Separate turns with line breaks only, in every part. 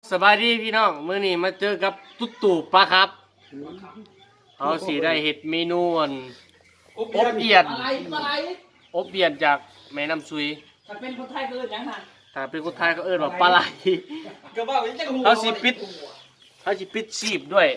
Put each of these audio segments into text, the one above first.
สบายดีพี่น้องมื้อนี้มาเจอกับตุ๊ตู่ปลาครับเอาสีได้เห็ดเมนูอบเอียนอบเอียนจากแม่น้ำซุย
ถ้าเป็นคนไทยก็เอิ้นหยังหั่น
ถ้าเป็นคนไทยก็เอิ้นว่าปลาไหล
ก็ว่าจังหู
เขาสิปิดชีพด้วย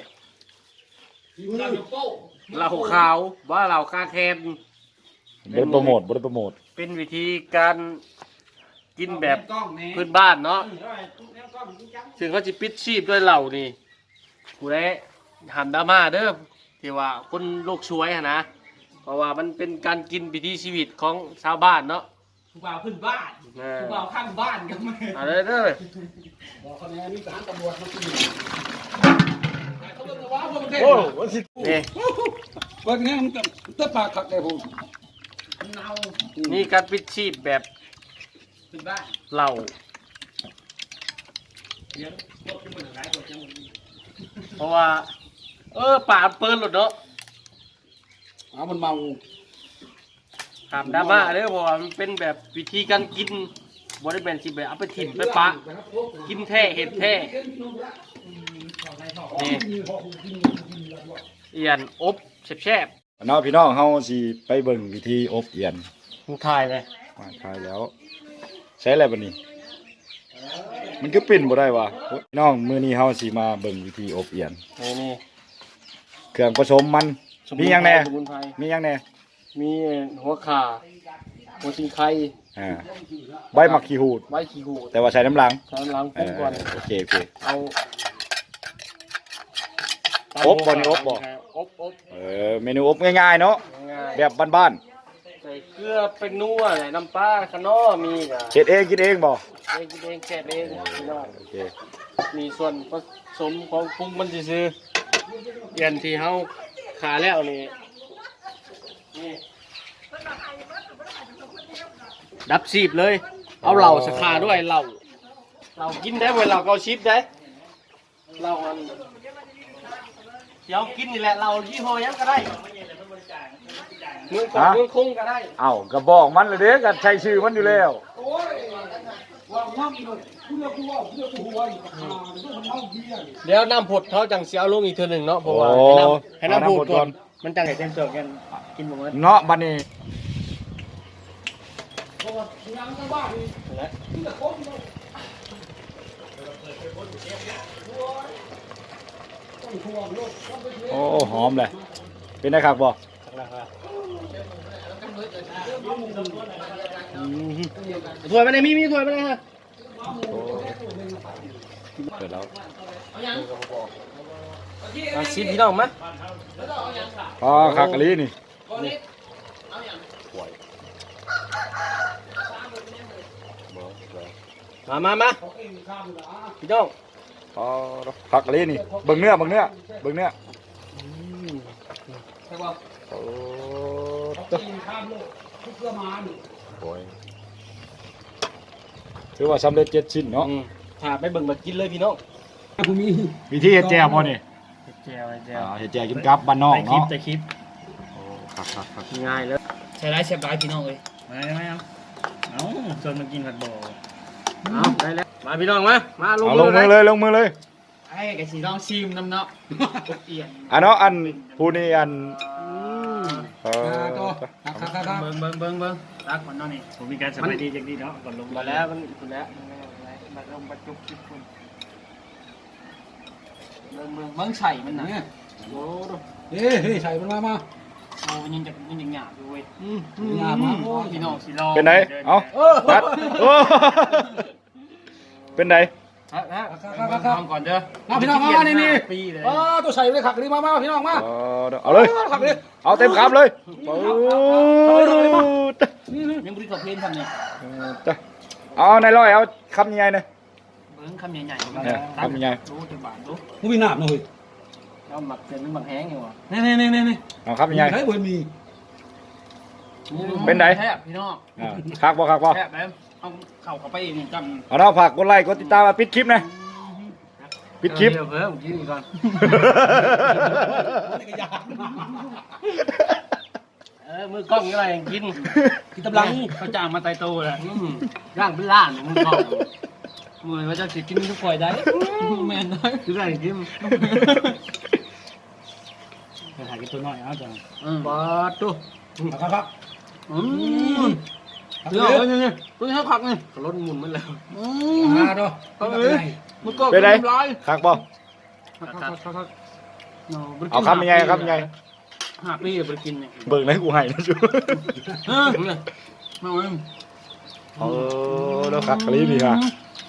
เหล้าขาวว่าเหล้าคาแคน
บริโปรโมท
เป็นวิธีการกินแบบพื้นบ้านเนาะซึ่งเขาจะปิดชีพด้วยเหล้านี่กูได้หันดราม่าเด้อที่ว่าคนโลกช่วยนะเพราะว่ามันเป็นการกินวิถีชีวิตของชาวบ้านเนาะ
ผู้บ่าวพื้นบ้านผู้บ่าวข้างบ้านกันมั้ย
อะไรเด้อ
บอกเขาแน่มีทหารตำรวจมากินเขาบอกว่าพวกประเทศ
นี่
เบิ่งแน่มันตะปากคักได้พุ่น
นี่การปิดชีพแบบ
พื้นบ้าน
เหล้าเพราะว่าป่าเปิ้ลหลุดเนาะ
มันเมา
ถามดราม่าเด้อเพราะว่ามันเป็นแบบวิธีการกินบริเวณสิแบบเอาไปถิ่มไปปะกินแท้เห็ดแท้นี่เอียนอบแซ่บ
น้องพี่น้องเฮาสิไปเบิ่งวิธีอบเอียน
มึงถ่ายเลย
ถ่ายแล้วใช้อะไรบัดนี้มันก็เป็นบ่ได้วะพี่น้องมื้อนี้เฮาสิมาเบิ่งวิธีอบเอียน
นี่
เครื่องผสมมันมีหยังแน่มี
หัวข่าหัวชิงไข่
ใบมะขีหูดแต่ว่าใช้น้ำล้าง
ปรุงก่อน
โอเค
เอา
อบบ่นี่อบเมนูอบง่ายๆเนาะแบบบ้าน
ๆใส่เกลือเป็นนัวใส่น้ำปลาขนอมี
เฮ็ดเองกินเองบ่
กินเองแกะเองพี่น้องโอเคมีส่วนผสมของปรุงมันซื่อๆเอียนที่เฮาขาแล้วนี่ดับซีบเลยเอาเหล่าสคาด้วยเหล่ากินได้เวลาเราชิปได้เหล่าอันเดี๋ยวกินนี่แหละเหล่ายี่ห้อยังก็ได้เมืองคงก็ได้
กระบอกมันเลยเด้กันใช้ชื่อมันอยู่แล้ว
เดี๋ยวน้ำผดเขาจังเสียลงอีกเท่านึงเนาะเพราะว่าให้น้ำผดก่อนมันจังเต็มเจอกันกินหมด
เนาะบัดนี้โอ้หอมเลยเป็นไงครับบอก
ถ้วยมาไหนมีถ้วยมาไหนฮะ
เปิดแล้ว
ชิมพี่น้องมั้ย
คากะลีนี่
มาพี่น้อง
คากะลีนี่เบิ่งเนื้อ
ใช่ป่ะ
ถือว่าสำเร็จ7ชิ้นเนาะ
ถ้าไปเบิ่งมากินเลยพี่น้อง
วิธีเฮ็ดแจ่วบ่นี่
เฮ็ดแจ่ว
กินกับบ้านนอกเนาะ
แต่คลิป
ครับ
ง่ายเลย
ใช้ได้เชฟร้ายพี่น้องเอ้ยไม่เอาชวนมากินผัดบ่
เอาได้แล้วมาพี่น้องมาลง
มือเลย
ไอ้กะสิลองชิมน้ำเนาะเอีย
นเนาะอันผู้นี้อัน
ตัวเบิ่งตักก่อนเนาะนี่ผมมีการสบายดีจังดีเนาะก่อนลง
มาแล้วมันคุณแล้วมาลงประจุคลิปคุณ
เบิ่งไข่มันน่ะ
โอ้
เฮ้ยไข่มันมาโอ้ยังหยาบอยู่เว้ยหยาบมาโอ้พี่น้องสิรอ
เป็นไงเอ้าตัดเป็นไง
ทำก่อนเด้อ
มาพี่น้องมานี่ตัวใส่เลยขักนี่มาพี่น้องมา
เอาเลยเอาเต็มคำเลย
ยังบริกรเพลนทำเนี่ย
เอาในร้อยเอาคำใหญ่ๆเลย
คำใหญ่
คำใหญ่
รู้จะบาดรู้มึงมีหนาบหน่อย
เอาหมักเป็นหมักแห้งอยู่
นี่
เอาคำใหญ่
ใช้บนมี
เป็นไง
พี่น้อง
คักบ่
แค่แบบเอาเข่าไปนี่จำ
เอาเนาะฝากกดไลค์กดติดตามมาปิดคลิปนะปิดคลิป
เพิ่มกินก่อนมือกล้องอะไรกิน
ตำลัง
เขาจ้างมาไตโตเลยย่างเป็นล้านมือกล้อง
เหมือนว่าจะสิกินทุกข่อยได้แม่นได้คือได้กินไปถ่ายกินตัวน้อยเอาจ้ะบาดตัวครับเดี๋ยวนี่ตัวนี้ให้ผักนี่
รถหมุนมันแล้ว
ตัวมันก็
เป็นไร
ร้าย
คักบ่ เอาคำยังไงครับยังไง
5 ปีไปกินเนี่ย
เบิ่งให้กูให้นะจู
มาเว้ย
แล้วคักกะลีนี่ฮะ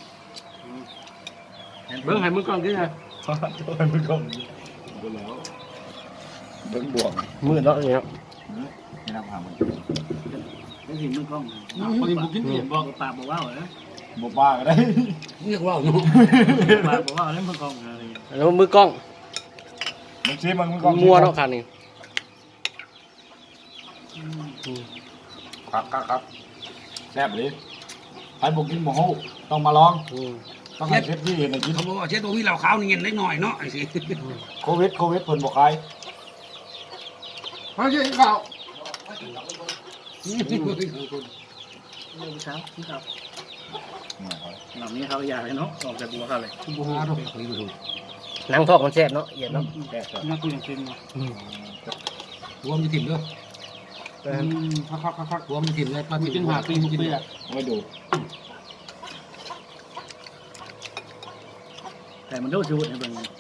เบิ่งให้มึงก่อนกินไง
ตัวให้มึงก่อนเบิ่งแล้วเบิ่งบวก
มืดแล้วนี่ครับ
นี่น้ำหามัน
ได้สิมึงก่อนคนนี้มึงกินเนี่ยบอกปากบอกว่าเหรอ
บ่บ้าก็ได้
เรียกว่าเนาะปากบอกว่าเล่นมึงก่อนอะไร
แล้วมือกล้อง
มึงชี้มึงก่อน
มัวเนาะคันนี้
ครับแซ่บเลยใครบ่กินบ่ฮู้ต้องมาลองต้องให้เชฟที่เห็นให้กิน
เขาบอกว่าเช็ดตัวพี่เราขาวนี่เงินเล็กหน่อยเนาะไอ้สิ
โควิดเพิ่นบ่ขาย
มาเช็ดข้าว
เช้าที่ครับ
หลังนี้เขาอยากเลยเนาะออกจากบัวเขาเลยบัวเขาเลย
หนังทอกมันแซ่บเนาะเอียดเนาะ
น่าคุยอย่างจริงเนาะรวมจะถิ่มด้วยคักรวมจะถิ่มเลยปลาถิ่มหาปี6 ปีอ่ะ
ไม่ดู
แต่มันโดนชูดในเบื้องนี้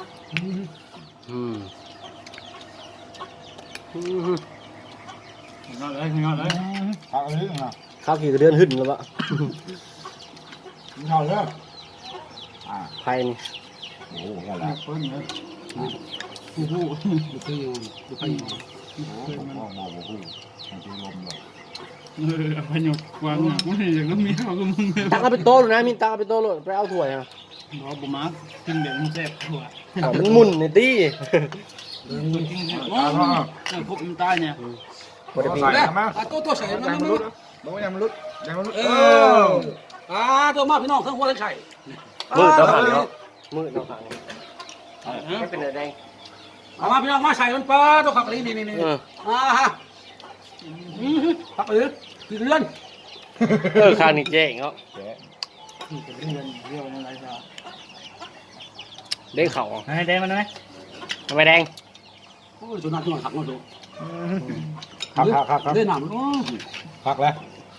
งอเลย
คักเลยนะ
ข้าวกี่เดือนหึ่นแล้ววะ
กินข้าวเลย
ไผ่นี่
โอ้โหนั่นแหละ
เพิ่นเลยผู้ดูคืออยู่ดูไปอยู่
มองบ่ฮู้ให้กินลมเลย
พยกวางเนี่ยไม่อย่างนั้นมีเขาก็มึง
ตักเอาไปโต๊ะเลยนะมินตักเอาไปโต๊ะเลยไปเอาถ้วยนะ
บอกบุมากินแบบมันแซ่บหัว
มันหมุนในตี้
กินเนี่ยพวกมันตายเนี่ย
บริ
ใส่
ปี
มา
ตัวใส่
ยังมันรุดบอกว่ายังมันรุดยังมันรุด
ตัวมาพี่น้องทั้งหัวทั้งไข่
มืดเนาะขาเนาะมืดเนาะขาเนาะไม่เป็นอะไรแดง
เอามาพี่น้องมาใส่มันปลาตัวขับลีนี่ฮะขับหรือกี่เดือน
ข้างนี้เจ๊งเนาะ
เรียวอะไรซะ
เด้งเข่า
ให้แดงมันไหม
ทำไมแดง
โอ้ยตัวนั้นตัวขับมาดู
ครับ
เล่นหนาม
พักแล้ว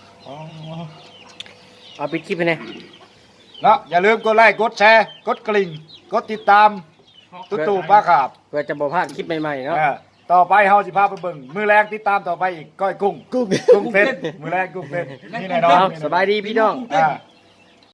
เอาปิดคลิปไปเนี่ย
แล้วอย่าลืมกดไลค์กดแชร์กดกริ่งกดติดตามตู่ป้าขาบ
เพื่อจะบ่พลาดคลิปใหม่ๆเนาะ
ต่อไปเฮาสิพาไปเบิ่งมือแรงติดตามต่อไปอีกก้อยกุ้ง
กุ้ง
กุ้งเต้นมือแรงกุ้งเต้นนี่แน่นอน
สบายดีพี่น้อง
อ่า